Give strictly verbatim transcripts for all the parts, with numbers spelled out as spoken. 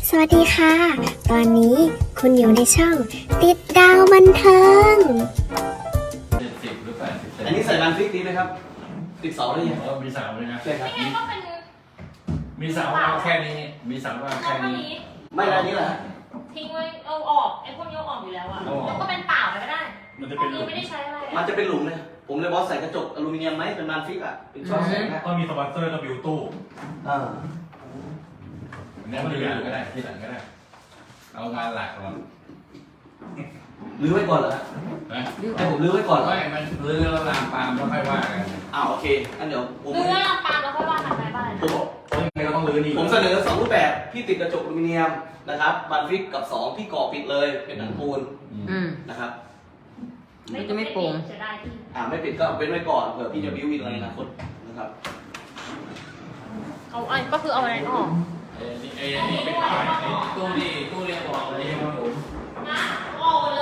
สวัสดีค่ะ ตอนนี้คุณอยู่ในช่องติดดาวบันเทิงเจ็ดสิบหรือแปดสิบเซนอันนี้ใส่รันฟิกดีไหมครับ ติดเสาได้ยังเออมีเสาเลยนะใช่ครับไม่งั้นก็เป็นมีเสาเอาแค่นี้ มีเสาเอาเอาแค่เท่านี้นี้ไม่แล้วอันนี้แหละทิ้งไว้เอาออกไอ้พวกนี้เอาออกอยู่แล้วอะเอาออกแล้วก็เป็นเปล่าไปก็ได้มันจะพเป็วน กหลุนี้มไม่ได้ใช้อะไรมันอะจะเป็นหลุมเลยผมเลยบอสใส่กระจกอลูมิเนียมไหมเป็นรันฟิกอ่ะเป็นช่องแสงนะก็มีสปอนเซอร์กับบิวตู้อ่าอันนี้มันทีหลังก็ได้ทีหลังก็ได้ เอางานหลักก่อนลื้อไว้ก่อนเหรอฮะนะให้ผมลื้อไว้ก่อนเหรอไม่มันเรือแล้วลามปามแล้วค่อยว่ากันอ้าวโอเคอันเดี๋ยวผมเนื้อปลาแล้วค่อยว่ากันไปบ้างผมเพราะยังไงก็ต้องรื้อนี่ผมเสนอสองรูปแบบพี่ติดกระจกอลูมิเนียมนะครับรันฟิกกับสองพี่ก่อปิดเลยเป็นหนังปูนอืมนะครับมันจะไม่โปร่งเสียดายที่อ่าไม่ปิดก็เว้นไว้ก่อนเผื่อพี่จะบิ้วอินอะไรในอนาคตนะครับเอาไอ้ก็คือเอาอะไรออกไอ้นี่ไอ้นี่เป็นขายไอ้ตู้นี่ตู้เรียกบอกอะไรใช่ไหมผมนะออกหมดเลย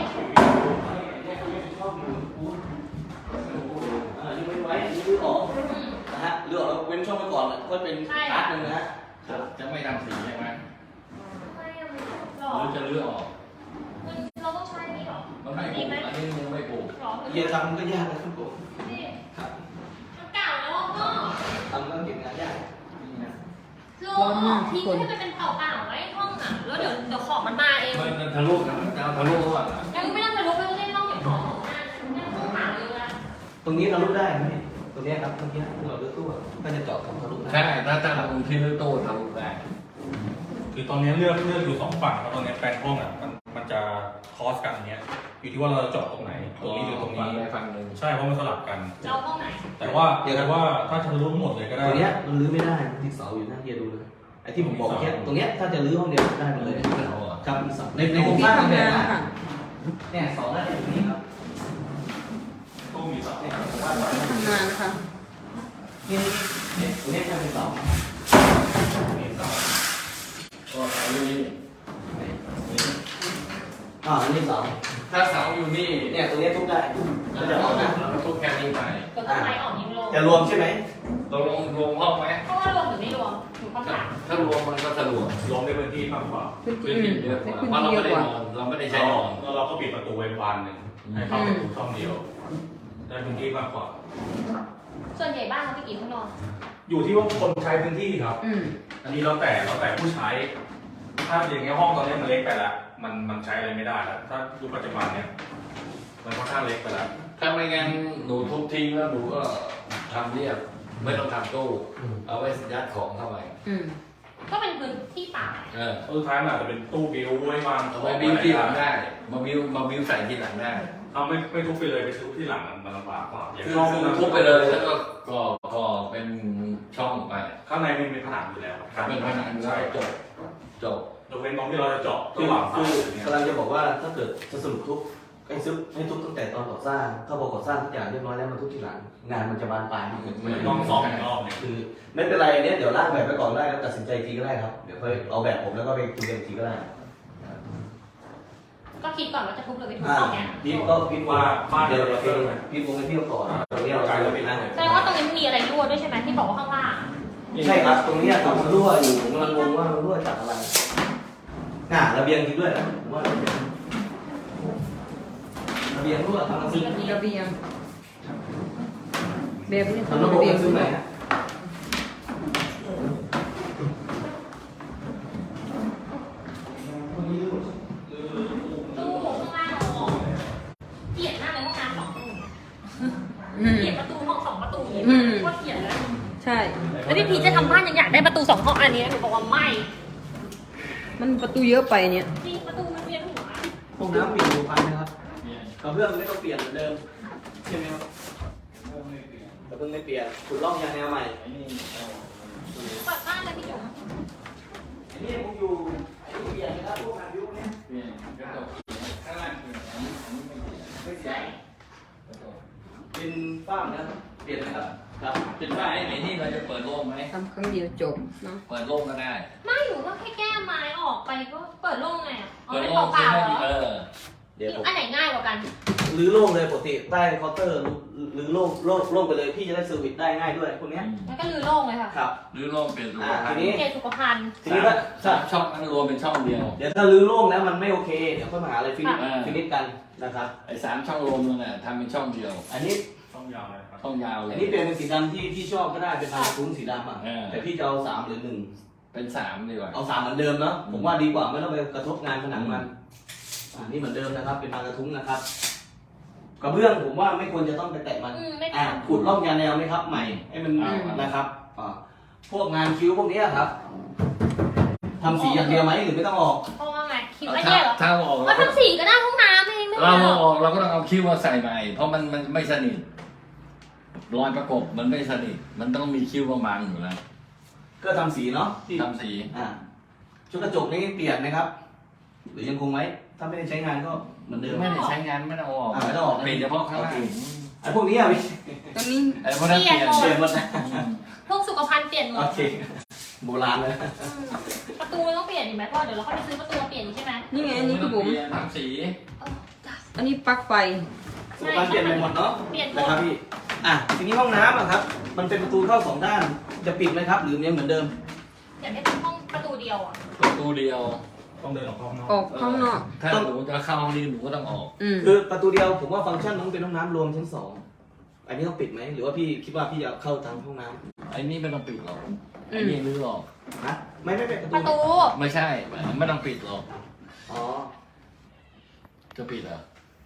อ่านี่ไม่ไว้อันนี้ลื้อออกนะฮะลื้อออกแล้วเว้นช่องไว้ก่อนก็เป็นพาร์ทหนึงนะฮะจะจะไม่ทำสีใช่ไหมไม่อะมันหรหอรือจะเลือกออกมันเราต้องใช้นี่หรอมันไม่ปลูกอันนี้ยังไม่ปลูกหรอเยียทำก็ยากนะครับผมนี่ครับมันเก่าแล้วอะพ่อทำก็เก็บงานยากนี่นะโลออกทิ้งให้มันเป็นเปล่าๆไว้ห้องอะแล้วเดี๋ยวเดี๋ยวของมันมาเองมันทะลุนะจะเอาทะลุก่อนนะยังไม่ต้องไปลุกไม่ต้องเล่นต้องเก็บของของงานงานต้องหาเลยอะตรงนี้เราลุกได้ไหมตรงนี้ครับตรงนี้เราเลือกตู้ก็จะเจาะของทะลุได้ใช่ถ้าถ้าเราที่ลื้อตู้ทะลุได้คือตอนนี้เลือกเลือกอยู่สองฝั่งแล้วตอนนี้แปลงห้องอ่ะมันมันจะคอสกันอันเนี้ยอยู่ที่ว่าเราจะเจาะตรงไหนตรงนี้หรือตรงนี้ได้ฟังหนึ่งใช่เพราะมันสลับกันจะเอาห้องไหนแต่ว่าแต่ว่าถ้าจะรู้หมดเลยก็ตได้รงเนี้ยมันลื้อไม่ได้ติดเสาอยู่นะเฮียดูเลยไอ้ที่ผมบอกเมื่อกี้ตรงเนี้ยถ้าจะลื้อห้องเดียวได้หมดเลยครับมีเสาในในโครงสร้างแบบนี้นะเนี่ยเสาได้อยู่ตรงนี้ครับตู้มีสองเนี่ยผมว่าเสาทำงานนะคะนี่เนี่ยตรงเนี้ยแค่เป็นเสาก็เสาอยู่นี่อ่าอันนี้เสาถ้าเสาอยู่นี่เนี่ยตรงเนี้ยทุบได้ก็จะเอานะเราทุกแค่นี้ไปก็ต้องไปออกยิงลงจะรวมใช่ไหมตกลงรวมห้องไหมเพราะว่ารวมหรือไม่รวมถูกคำถามถ้ารวมมันก็สะดวกรวมในพื้นที่มากกว่าพื้นพื้ที่นอืที่มเยอะกว่าให้พื้นเพราะที่เราเยไม่อะได้กนว่าอนเราไม่ได้ใช้นอนแล้วเราก็ปิดประตูไว้บานหนึ่งให้เข้าประตูช่องเดียวได้พื้นที่มากกว่าส่วนใหญ่บ้านเขาไปกี่ห้องนอนอยู่ที่ว่าคนใช้พื้นที่ครับอืมอันนี้เราแต่เราแต่ผู้ใช้ ถ้าอย่างเงี้ยห้องตอนนี้มันเล็กไปแล้วมันมันใช้อะไรไม่ได้แล้วถ้ายุคปัจจุบันเนี่ยมันค่อนข้างเล็กไปแล้วถ้าไม่งั้นหนูทุบทิ้งแล้วหนูก็ทำเรียบไม่ต้องทำตู้เอาไว้ยัดของเข้าไปอืมก็เป็นพื้นที่เปล่าเออสุดท้ายมันอาจจะเป็นตู้บิวไว้วางเอาไว้บิ้วที่หลังได้ มาบิ้วมาบิ้วใส่ที่หลังได้เอาไม่ไม่ทุบไปเลยไปทุบที่หลังมันมันลำบากกว่าอย่างคือช่องคือนั้นทุบไปเลยแล้วก็ก่อก่อเป็นช่องไปข้างในมันมีผนังอยู่แล้วเป็นผนังแล้ใช่วจบจบยกเว้นตรงที่เราจะเจาะคือระหว่างตู้เนี่ยกำลังจะบอกว่าถ้าเกิดจะสรุปทุบให้ซุบให้ทุบตั้งแต่ตอนก่อสร้างถ้าพอก่อสร้างทุกอย่างเรียบร้อยแล้วมันทุบทีหลังงานมันจะบานปลายมันต้องซ้อมอีกรอบเนี่ยคือไม่เป็นไรเนี่ยเดี๋ยวร่างแบบไปก่อนได้แล้วตัดสินใจอีกทีก็ได้ครับเดี๋ยวค่อยเอาแบบผมแล้วก็ไปคุยกันอีกทีก็ได้ก็คิดก่อนว่าจะทุบหรือไม่ทุบอ่าตรงเนี้ยพีทก็พีทว่าว่าบ้านเดี๋เดียยว วเดี๋ยวเราเพิ่มพีทวงให้พี่เขาก่อนตรงนี้เรากลายจะเป็นนะแสดงว่าตรงนี้มีอะไรรั่วด้วยใช่ไหมที่บอกว่าข้างล่างใช่ครับตรงนี้ต่อมันรั่วอยู่ผมกำลังงงว่ามันรั่วจากอะไรน่ะระเบียงจริงด้วยนะผมว่าระเบียงระเบียงรั่วทำระเบียงระเบียงแบบนี้ทำทำระบบระเบียงมันคือไหนฮะตู้ข้างล่างเราออกเกลียดมากเลยห้องน้ำสองตู้อืมเกลียดประตูห้องสองประตูอืมก็เกลียดเลยใช่แล้วพี่พีชจะทำบ้านยังอยากได้ประตูสองห้องอันนี้นะหนูบอกว่าไม่มันประตูเยอะไปเนี่ยจริงประตูมันเวียนหัวห้องน้ำเปลี่ยนอยู่พันนะครับกระเบื้องไม่ต้องเปลี่ยนเหมือนเดิมใช่ไหมครับกระเบื้องไม่เปลี่ยนขุดร่องยางแนวใหม่เปิดบ้านเลยพี่จุ๋มอันนี้ผมอยู่ไอ้เปลี่ยนนะครับพวกงานยุคเนี้ยข้างล่างคืออันนี้อันนี้ไม่ไม่เสียเป็นฝ้านะเปลี่ยนนะครับครับเป็นว่าไอ้ไหนที่เราจะเปิดโล่งไหมทำครั้งเดียวจบเนาะเปิดโล่งก็ได้ไม่หนูก็แค่แก้ไม้ออกไปก็เปิดโล่งไงอ่ะเอาเปิดเป็นโล่งเปล่าๆเหรเอออเดี๋ยวผมอันไหนง่ายกว่ากันรื้อโล่งเลยปกติใต้เคาน์เตอร์หรือโล่งโล่งโล่งไปเลยพี่จะได้เซอร์วิสได้ง่ายด้วยพวกเนี้ยแล้วก็ลือโล่งเลยค่ะครับหรือโลกเปลี่ยนรูอ่าปทีนี้เกสุขภัณฑ์ทีนี้ถ้าสามช่องนั้นรวมเป็นช่องเดียวเดี๋ยวถ้ารื้อโล่งแล้วมันไม่โอเคเดี๋ยวค่อยมาหาอะไรฟินิชค่ะฟินิชกันนะครับไอ้สามช่องรวมนั่นแหละทำเป็นช่องเดียวอันนี้ต้องยาวเลยครับช่องยาวเลอัยนนี้เปลี่ยนเป็นสีดำที่ที่ชอบก็ได้เป็นลายกระทุ้งสีดำอ่ะเออแต่พี่จะเอาสามหรือหนึ่งเป็นสามดีกว่าเอาสามเหมือนเดิมเนาะผมว่าดีกว่าไม่ต้องไปกระทบงานผนังมันอ่านี่เหมือนเดิมนะครับ เป็นลายกระทุ้งนะครับกระเบื้องผมว่าไม่ควรจะต้องไปแตะมันอืมไม่อ่าทำขุดร่องยาแนวไหมครับใหม่ให้มันนะครับอ่าพวกงานคิ้วพวกเนี้ยครับทำสีอย่างเดียวไหมหรือไม่ต้องออกเพราะว่าไงคิวอันเนี้ยเหรอถ้าเอาออกก็เราก็ทำสีก็ได้ห้องน้ำเองไม่เราเป็นไรหรเอาอกออกเราก็ต้องเอาคิ้วมาใส่ใหม่เพราะมันมันไม่สนิทรอยประกบมันไม่สนิทมันต้องมีคิ้วบางๆอยู่แล้วก็ทำสีเนาะที่ทำสีอ่าชุดกระจกนี่เปลี่ยนไหมครับ หรือยังคงไว้ถ้าไม่ได้ใช้งานก็เหมือนเดิมไม่ได้ใช้งานไม่ต้องเอาออกอ่าไม่ต้องออกนะเปลี่ยนเฉพาะข้างล่างไอ้พวกนี้อ่ะพี่ตอนนี้ไอ้พวกนั้นเปลี่ยนเปลี่ยนหมดนะพวกสุขภัณฑ์เปลี่ยนหมโอดเคโบราณเลยอืมประตูต้องเปลี่ยนอีกไหมเพราะเดี๋ยวเราค่อยไปซื้อประตูมาเปลี่ยนอีกใช่ไหมนี่ไงอันนี้คือผมเปลี่ยนทำสีเออจ้ะอันนี้ปลั๊กไฟสุขภัณฑ์เปลี่ยนไปหมดเนาะเปลี่ยนหมนะดครับพี่อ่ะทีนี้ห้องน้ำอ่ะครับ มันเป็นประตูเข้าสองด้านจะปิดไหมครับ หรือยังเหมือนเดิมอยากได้เป็นห้องประตูเดียวอ่ะประตูเดียวต้องเดินออกข้างนอกออกข้างนอกถ้าหนูจะเข้าห้องนี้หนูก็ต้องออกอืมคือประตูเดียวผมว่าฟังก์ชันต้องเป็นห้องน้ำรวมชั้นสองอันนี้ต้องปิดไหมหรือว่าพี่คิดว่าพี่จะเข้าทางห้องน้ไอ้นี่ไม่ต้องปิดหรอกไอ้นี่รื้อออกำนะไม่ไม่ไม่ประประตูตูไม่ใช่ไม่ต้องปิดหรอกอ๋อจะปิดเหรอ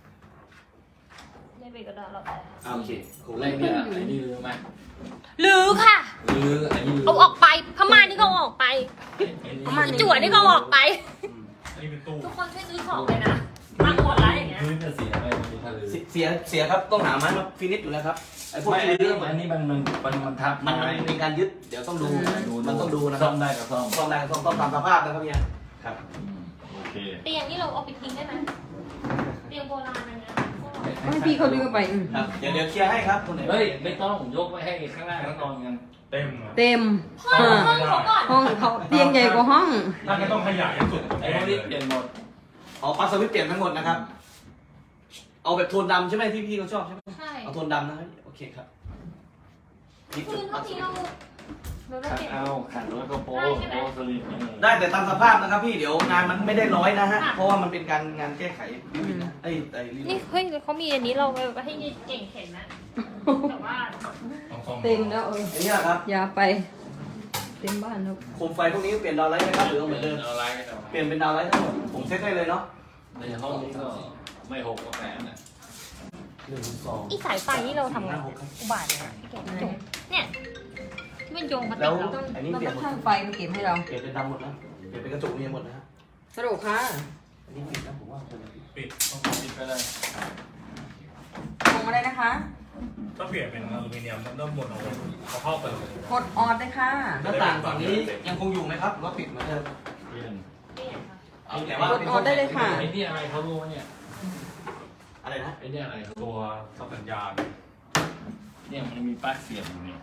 ไม่ไปก็ได้เราแต่อ่าโอเคโหไอ้เนี่ยไอ้นี่รื้อไหมหรือค่ะรื้อไอ้นี่รื้เอาออกไปพม่านนี่ก็เอาออกไปไอ้นี่ประมาณจั่วนี่ก็เอาออกไปอันนี้เป็นตู้ทุกคนช่วยซื้อของเลยนะตังค์หมดแล้วอย่างเงี้ยรื้อจะเสียไหมมันมีถ้ารื้อเสียเสียเสียครับต้องหาไม้มาฟินิชอยู่แล้วครับไอ้พวกไม่ที่ไอ้รื้นี่อมันอันนี้มันมันมันมันทับมันมันเป็นการยึดเดี๋ยวต้องดูมันต้องดูนะคซ่รัอบ มได้ก็ซ่อมซ่อมได้ก็ซ่อมต้องตามสภาพนะครับเนี่ยครับอืมโอเคเตียงนี่เราเอาไปทิ้งได้ไหมเตียงโบราณอันเนี้ยให้พี่เขาดึงเข้าไปอืมครับเดี๋ยวเดี๋ยวเคลียร์ให้ครับคนไหนเฮ้ยไม่ต้องยกไว้ให้ข้างล่างแล้วนอนกันเต็มอะเต็มห้องอ่าห้องเขาก่อนห้องเขาเตียงใหญ่กว่าห้องถ้าไม่ต้องขยายให้สุดไอ้พวกนี้เปลี่ยนหมดอ๋อปลั๊กสวิตช์เปลี่ยนทั้งหมดนะครับ เอาแบบโทนดำใช่ไหมที่พี่เขาชอบใช่ไหมใช่เอาโทนดำนะครับโอเคครับนี่คืจุอดเท่าที่เราเราได้ขัดเก็บเอาขัดแล้วก็โป๊โป๊สลิปนี่ได้แต่ตามสภาพนะครับพี่เดี๋ยวงานมันไม่ได้ร้อยนะฮะเพราะว่ามันเป็นการงานแก้ไขไอ้ไอ้รีวินี่วเฮ้ยเขามีอันนี้เราไปให้เก่งเห็นนะแต่ว่าต้องซ่อมเต็มแล้วเอออันนี้ครับอย่าไป เต็มบ้านแล้วโคมไฟพวกนี้เปลี่ยนดาวไลท์ไหมครับหรือเอาเหมือนเดิมเอาอะไรกันเอาเปลี่ยนเป็นดาวไลท์ทั้งหมดผมเซ็ตได้เลยเนาะในห้องนี้ก็ไม่หกก็แปดนะหนึ่งสองอีสายไฟนี่เราทำไงห้าหกครับอุบาทเลยนะพี่เก่งจบเนี่ยที่มันโยงมาติแล้ดวเราต้องอันนี้เราเปลี่ยต้นองหมดช่างไฟมาเก็บให้เราเปลี่ยนเป็นดำหมดนะเปลี่ยนเป็นกระจกมีหมดนะฮะสรุปค่ะอันนี้ปิดนะผมว่าควรจะปิดปิดต้องติดไปเลยลงมาได้นะคะถ้าเปลี่ยนเป็นอลูมิเนียมต้องต้องหมดเอาไว้เอาเข้าไปเลยกดออดเลยค่ะหน้าต่างฝั่งนี้ยังคงอยู่ไหมครับหรือว่าปิดเหมือนเดิมเปลี่ยนเปลี่ยนค่ะเอาแต่ว่ากดออดได้เลยค่ะไอ้นี่อะไรเขารู้ไหมเนี่ยอะไรนะไอ้นี่อะไรเขารู้ตัวสับสัญญาณเนี่ยมันมีปลั๊กเสียบอยู่เนี่ย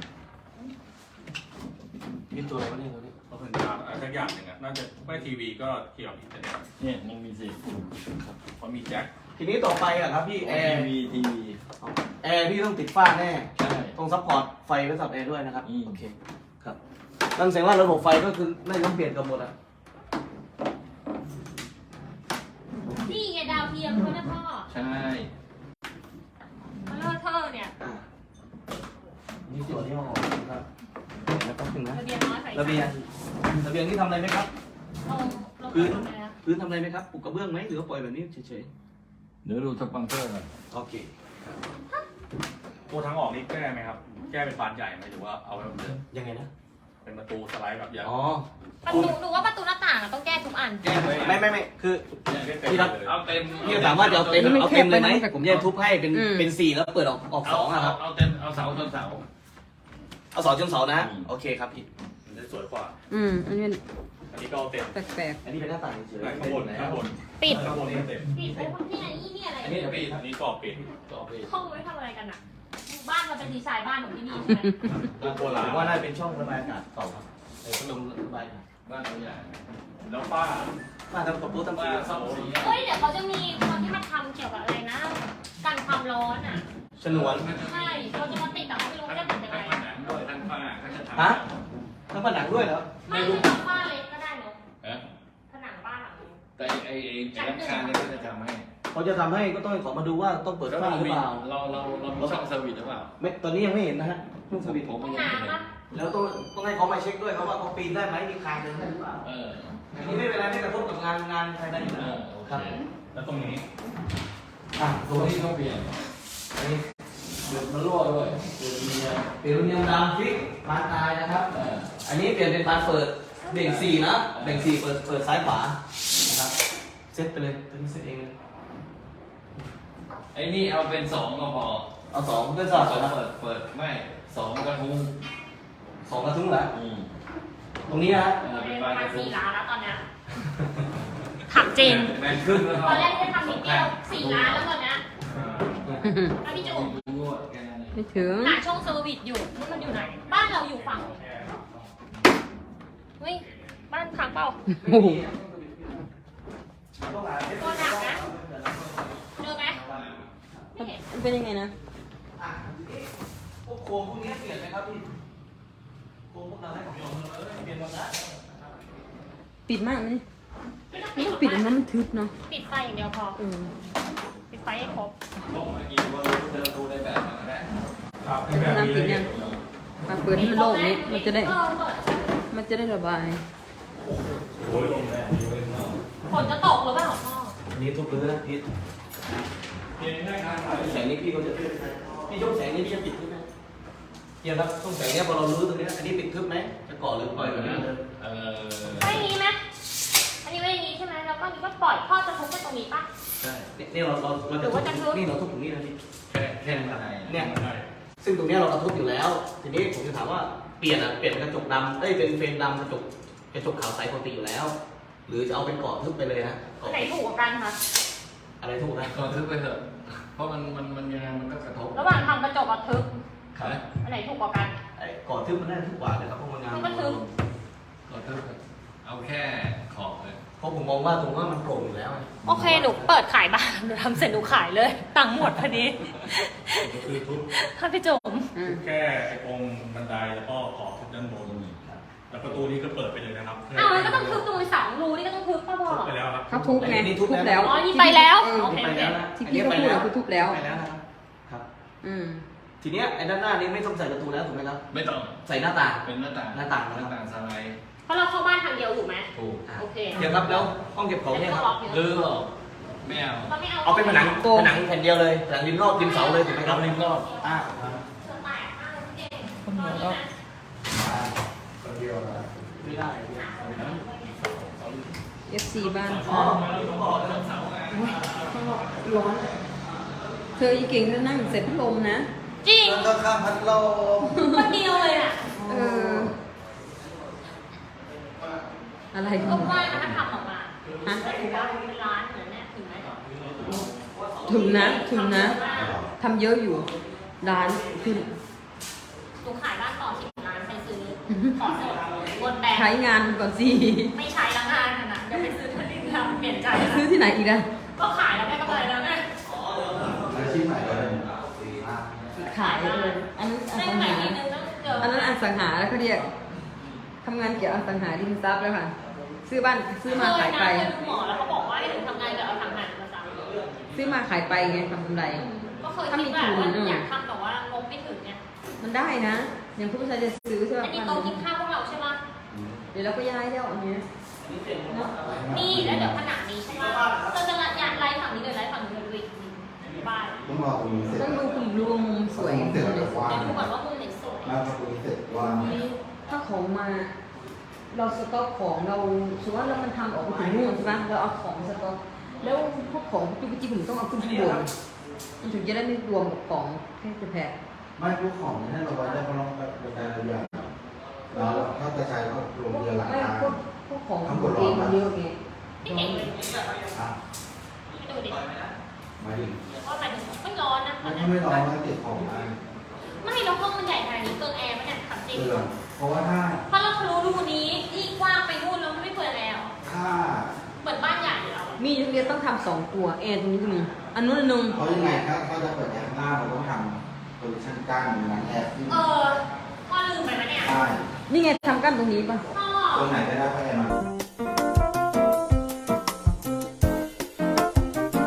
มีตัวอะไรวะเนี่ยตัวนี้สับสัญญาณอะไรสักอย่างหนึ่งอะน่าจะไม่ทีวีก็เกี่ยวกับอินเทอร์เน็ตเนี่ยมันมีสิเพราะมีแจ็คทีนี้ต่อไปอะครับพี่แอทีร์วีทีวีแอร์พี่ต้องติดฝ้าแน่ใช่ต้องซัพพอร์ตไฟไว้สับแอร์ด้วยนะครับอืมโอเคครับนั่นแสดงว่าระบบไฟก็คือน่าจะต้องเปลี่ยนกันหมดอะนี่ไงดาวเทียมเขาเนี่ยพ่อใช่เขาเลอะเทอะเนี่ยอ่านี่ตัวที่ห้องครับแล้วก็ถึงนะระเบียงน้อยใส่ระเบียงระเบียงนี่ทำอะไรไหมครับเราเราพื้นทำอะไรนะพื้นทำอะไรไหมครับปูกระเบื้องไหมหรือว่าปล่อยแบบนี้เฉยเดี๋ยวดูสปอนเซอร์ก่อนๆโอเคตัวทางออกนี่แก้ไหมครับ แก้เป็นบานใหญ่ไหมหรือว่าเอาไว้แบบเดิมยังไงนะเป็นประตูสไลด์แบบใหญ่อ๋อประตูหนูว่าประตูหน้าต่างอะต้องแก้ทุกอันแก้ไว้ไม่ไม่ไม่คือ พี่รับเอาเต็มพี่ถามว่าจะเอาเต็มมันเอาเต็มเลยไหมแคบไปนะผมจะทุบให้เป็นอืมเป็นสี่แล้วเปิดออกออกสเอาองอะครับเอาเต็มเอาเสาชนเสาเอาสองจนเสานะอืมโอเคครับพี่มันจะสวยกว่าอืม อันนี้อันนี้ก็เอาเต็มแปลกอันนี้เป็นหน้าต่างเฉยข้างบนข้างบนปิดข้างบนไม่เต็มปิดไอ้พวกที่ไหนนี่นี่อะไรอันนี้จะปิดอันนี้ก็ปิดต่อไปห้องไว้ทำอะไรกันอะบ้านเราเป็นดีไซน์บ้านของที่นี่ใช่ไหมตัวโบๆราผณมว่าน่าจะเป็นช่องระบายอากาศเก่าครับไอ้พัดลมระบายอากาศบบ้านตัวใหญ่แล้วป้ามาทำตบตู้ทำบ้าสีนซ่อมสีเฮ้ยเดี๋ยวเขาจะมีคนที่มาทำเกี่ยวกับอะไรนะกันความร้อนอ่ะฉนวนใช่เขาจะมาติดแต่เขาไม่รู้ว่าจะติดยังไงผนังด้วยทั้งฝ้าก็จะทำฮะทำผนังด้วยเหรอไม่ใช่ทำบ้านเล็กก็ได้เนอะเอ๊ะผนังบ้านหลังนึงแต่ไอ้ไอ้ไอ้ร้านค้าเนี่ยก็จะทำให้เขาจะทำให้ก็ต้องขอมาดูว่าต้องเปิดแล้วฝ้าเราหรือมีเปล่าเราเราเรามีช่องเซอร์วิสหรือเปล่าไม่ตอนนี้ยังไม่เห็นนะฮะช่วงสวิตช์ผมห้ไม่องยังไม่เห็น้ำปะนแล้วต้องต้องให้เขามาเช็คด้วยครับว่าเขาปีนได้ไหมมีคานเดินได้หรือเปล่าเอออันนี้ไม่เป็นไรไม่กระทบกับงานงานภายในอยู่เอแล้วอโอครับเคแล้วตรงนี้อ่ะตัตัว วนี้นี้ต้องเปลี่ยนอันนี้เดือดมันรั่วด้วยเดือดมีอะเปลี่ยนลูกเนียมดำฟิกบานตายนะครับเอออันนี้เปลี่ยนเป็นบานเปิดเบ่งสี่นะเบ่งสี่เปิดเปิดซ้ายขวานะครับเซตไปเลยตัวนี้เซตเองเลยไอ้นี่เอาเป็นสองก็พอเอาสองเพื่อนสสอองบก่อนนะเปิดเปิดไม่สองกระทุงสองกระทุ้งแล้วอืมตรงนี้นะเออเป็นปบานกระระมาณทุงสี่ล้านแล้วตอนเนี้ยถามจริงแมนขึ้นแล้วตอนแรกที่ทำนิดเดียวสี่ล้านแล้วตอนเนี้ยอ่ะพี่จุ๋มงวดแค่นั้นเองไม่ถึงหาช่องเซอร์วิสอยู่นี่มันอยู่ไหน บ้านเราอยู่ฝั่งเฮ้ยบ้านค้างเปล่าโอ้โหต้องหาเซตตัวหนักนะเจอไหมไม่เห็นมันเป็นยังไงนะอ่ะพวกโครงพวกนี้เปลี่ยนไหมครับพี่โครงพวกเราให้ผมลองเออเปลี่ยนหมดแล้วปิดมากไหมไม่ต้องไม่ปิต้ดองหรปิดอันนั้นอกมันทึบเนาะปิดไฟอย่างเดียวพอเออปิดไฟให้ครบผมเมื่อกี้ว่าเดินดูได้แบบนั้นก็ได้ครับแต่ถ้าน้ำปิดยังมาเปิดให้มันโล่งนี้มันจะได้เออเปิดมันจะได้ระบายโอ้ยลมแรงฝนจะตกหรือเปล่าพ่ออันนี้ทุบเลยนะพี่เพียงแค่ทางไหนแสงนี้พี่เขาจะพี่ยกแสงนี้พี่จะปิดทึบไหมเฮียครับช่วงแสงเนี้ยพอเรารู้ตรงนี้อันนี้ปิดทึบไหมจะก่อหรือปล่อยแบบนี้เลยเออไม่อย่างนี้ไหมอันนี้ไม่อย่างนี้ใช่ไหมแล้วก็อันนี้ก็ปล่อยพ่อจะทุบไปตรงนี้ปะใช่นี่เราเราเราจะทุบนี่เราทุบตรงนี้นะพี่แค่แค่นั้นไงเนี่ยซึ่งตรงเนี้ยเรากระทบอยู่แล้ว ทีนี้ผมจะถามว่าเปลี่ยนอ่ะเปลี่ยนกระจกดำเอ้ยเป็นเฟรมดำกระจกกระจกขาวใสปกติอยู่แล้ว หรือจะเอาเป็นกรอบทึบไปเลยนะกรอัอน บไหนถูกกว่ากันคะอะไรถูกนะก่อนทึบไปเถอะ เพราะมันมันมันยังไงมันก็กระทบระหว่างทำกระจกกับทึบครับอันไหนถูกกว่ากันไอ้กรอบทึบมันได้ทุกกว่านะครับเพราะมันงานมันก็ทึบก่อนทึบเถอะเอาแค่ขอบเลยเพราะผมมองว่าตรงว่ามันโปร่งอยู่แล้วไงโอเคหนูเปิดขายบ้านหนูทำเสร็จหนูขายเลย ตังค์หมดพอดีคือทุบค่ะพี่จุ๋มอืมแค่ไอ้ตรงบันไดแล้วก็ขอบทุบด้านบนแล้วประตูนี้ก็เปิดไปเลยนะครับอ้าวแล้วก็ต้องทึบตรงสองรูนี่ก็ต้องทึบป่ะพ่อทุบไปแล้วครับเขาทุบไงทุบแล้วอ๋อนี่ไปแล้วเออโอเคไปแล้วนะที่พี่เขาพูดอะคือทุบแล้วไปแล้วนะครับครับอืมทีเนี้ยไอ้ด้านหน้านี้ไม่ต้องใส่ประตูแล้วถูกไหมครับไม่ต้องใส่หน้าต่างเป็นหน้าต่างหน้าต่างหน้าต่างสไลด์เพราะเราเข้าบ้านทางเดียวถูกไหมถูกอ่ะโอเคเดี๋ยวครับแล้วห้องเก็บของเนี่ยครับหรือหรอไม่เอาเราไม่เอาเอาเป็นผนังผนังแผ่นเดียวเลยผนังริมรอบริมเสาเลยถูกไหมครับริมรอบอ่าแตกมากเลยพี่เก่งคนหัวเราะคนเดียวนะไม่ได้เอฟซีบ้านอ๋อค่ะผมบอกแล้วโอ้ยข้างนอกร้อน เธออีเก่งเธอนั่งเสร็จพัดลมนะจริงมันก็ข้ามพัดลมคนเดียวเลยอ่ะเออ อะไรก็ว่านะถ้าทำออกมาฮะถือว่าเป็นร้านเหมือนเนี่ยถึงไหมถึงนะถึงนะทำเยอะอยู่ ร้านขึ้นหนูขายบ้านต่อสิบล้านไปซื้อ ขอสดบนแบงใช้ค์งานก่อนสิไม่ใช้ละงานขนาดเดี๋ยวไปซื้อที่ดินทำเปลี่ยนใจละซื้อที่ไหนอีกอะก็ขายแล้วได้กำไรแล้วไงอาชีพใหม่เลยขายเลยอันนั้นอได้สังกำไรหานิดนึงต้องเจออันนั้นอสังหาแล้วเขาเรียกทำงานเกี่ยวกับอสังหาริมทรัพย์แล้วค่ะ ซื้อบ้านซื้อมาขายไปเคยนะเคยดูหมอแล้วเขาบอกว่าให้หนูทำงานกับอสังหาริมทรัพย์ซื้อมาขายไปไงทำกำไรก็เคยคิดแบบว่าอยากทำแต่ว่างบไม่ถึงเนี่ยมันได้นะ อย่างคุณผู้ชายจะซื้อใช่ไหมอันนี้โต๊ะกินข้าวพวกเราใช่ไหมเดี๋ยวเราก็ย้ายแล้วอันเนี้ยเนาะนี่แล้วเดี๋ยวผนังนี้ใช่ไหมเราจะยานไลฟ์ฝั่งนี้เลยไลฟ์ฝั่งนี้เลยดูอีกบ้านต้องรอตรงนี้เสร็จต้องดูคุณดูมุมสวยเสร็จแล้วว่าเดี๋ยวดูก่อนว่ามุมไหนสวยแล้วพอตรงนี้เสร็จว่านี้ถ้าของมา เราสต็อกของเราสมมติว่าเรามันทำออกมาถึงนู่นใช่ไหมเราเอาของสต็อกแล้วพวกของจุกจิกผมต้องเอาขึ้นข้างบนมันถึงจะได้ไม่รวมกับของแค่จะแพกไม่พวกของให้เราไว้ได้เพราะเราเป็นการระยะแล้วถ้าจะใช้ก็รวมเรือหลังไม่คาพวกพวกของตัวเองมันเยอะไงพี่เก่งเลยอ่ะไปดูดิมาดิว่าหมายถึงไม่ร้อนนะมันก็ไม่ร้อนแล้วเก็บของได้ไม่แล้วห้องมันใหญ่ขนาดนี้เกินแอร์มันเนี่ยขับจริงเปลืองเพราะว่าถ้าเพราะเราทะลุรูนี้ยิ่งกว้างไปนู่นแล้วมีอยู่เรียนต้องทำสองตัวแอร์ตรงนี้ก็มีอันนู้นอันนึงเพราะยังไงถ้าเขาจะเปิดแอร์ข้างล่างเราต้องทำโพซิชั่นกลางเหมือนแอร์ที่เออพ่อลืมไปไหมเนี่ยใต้นี่ไงทำกั้นตรงนี้ป่ะพ่อตรงไหนก็ได้เพราะแอร์มัน